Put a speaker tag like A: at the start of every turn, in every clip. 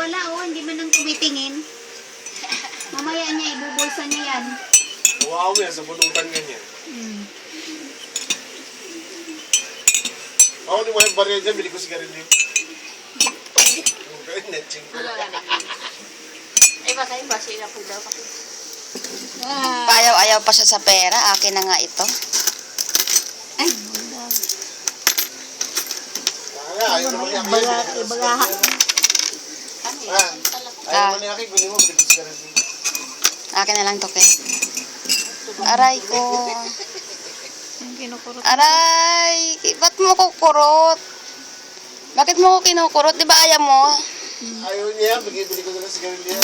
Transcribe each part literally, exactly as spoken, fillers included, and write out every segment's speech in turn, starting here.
A: wala oh, hindi man nang tumitingin. Mamaya niya, ibubulsa niya yan.
B: Wow, yan, sa bunutan ganyan.
A: Hmm.
B: Ako, ni mo yung barya dyan, bili ko sigarilyo. Okay, netching ko.
C: Wala nga na. Ay, baka yung basi na po daw.
A: Ah.
D: Paayaw-ayaw pa siya sa pera. Akin na nga ito.
A: Ay,
B: Kaya, ayaw naman niya.
A: Ibaga, ibagaha.
C: Ano yun?
B: Ah,
C: Talaga.
B: ayaw naman niya akin, kunin mo, bili ko sigarilyo.
D: Akin na lang to, Ke. Aray ko.
A: Yung kinukurot.
D: Aray! Ba't mo kukurot? Bakit mo ko kinukurot? Di ba ayaw mo?
B: Ayaw niya, bili ko na lang sigarilyo.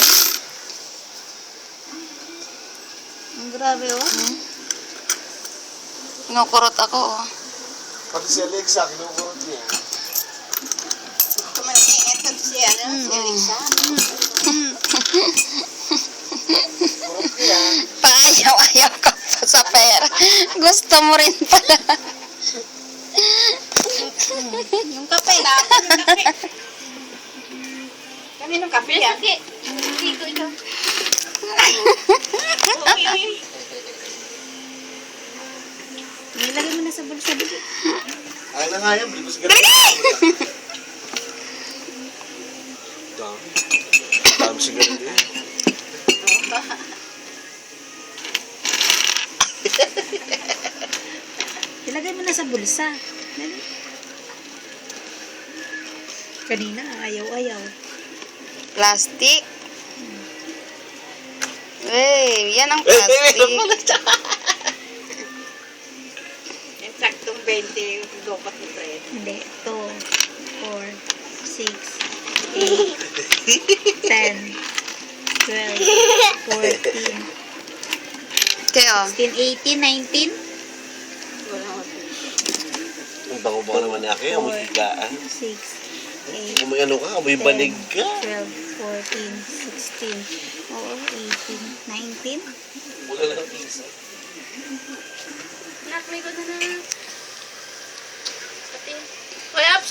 A: Ang grabe oh.
D: Hmm? Kinukurot ako, oh.
B: Pati si Alexa, kinukurot niya.
C: Kumalaki, eto siya, ano? Si Alexa.
B: Kurot niya.
D: Paayaw-ayaw ka pa sa pera. Gusto mo rin pala.
A: Yung kape.
C: Kaninong kape yan? Hindi ko ito. Uy, uy, uy.
A: Nilagay mo na sa bulsa. Bibi.
B: Ayaw na nga yan, bili ko sigarilyo. Dami. Dami sigarilyo.
A: Ilagay mo na sa bulsa. Dali. Kanina, ayaw-ayaw.
D: Plastic. Wey, yan ang plastic.
C: Yung saktong twenty yung dopat ni Fred.
A: Hindi. two, four, six, eight, ten, twelve, fourteen,
D: Kaya,
A: sixteen, eighteen, nineteen,
C: Wala ko.
B: Ang bango-bango naman niya kayo,
A: Four.
B: may higaan.
A: six, eight,
B: Kung may ano ka, may banig ka.
A: twelve, fourteen, sixteen, oo, eighteen, nineteen.
B: Wala lang isa.
C: Nak, may ko na na. Pati. Kaya,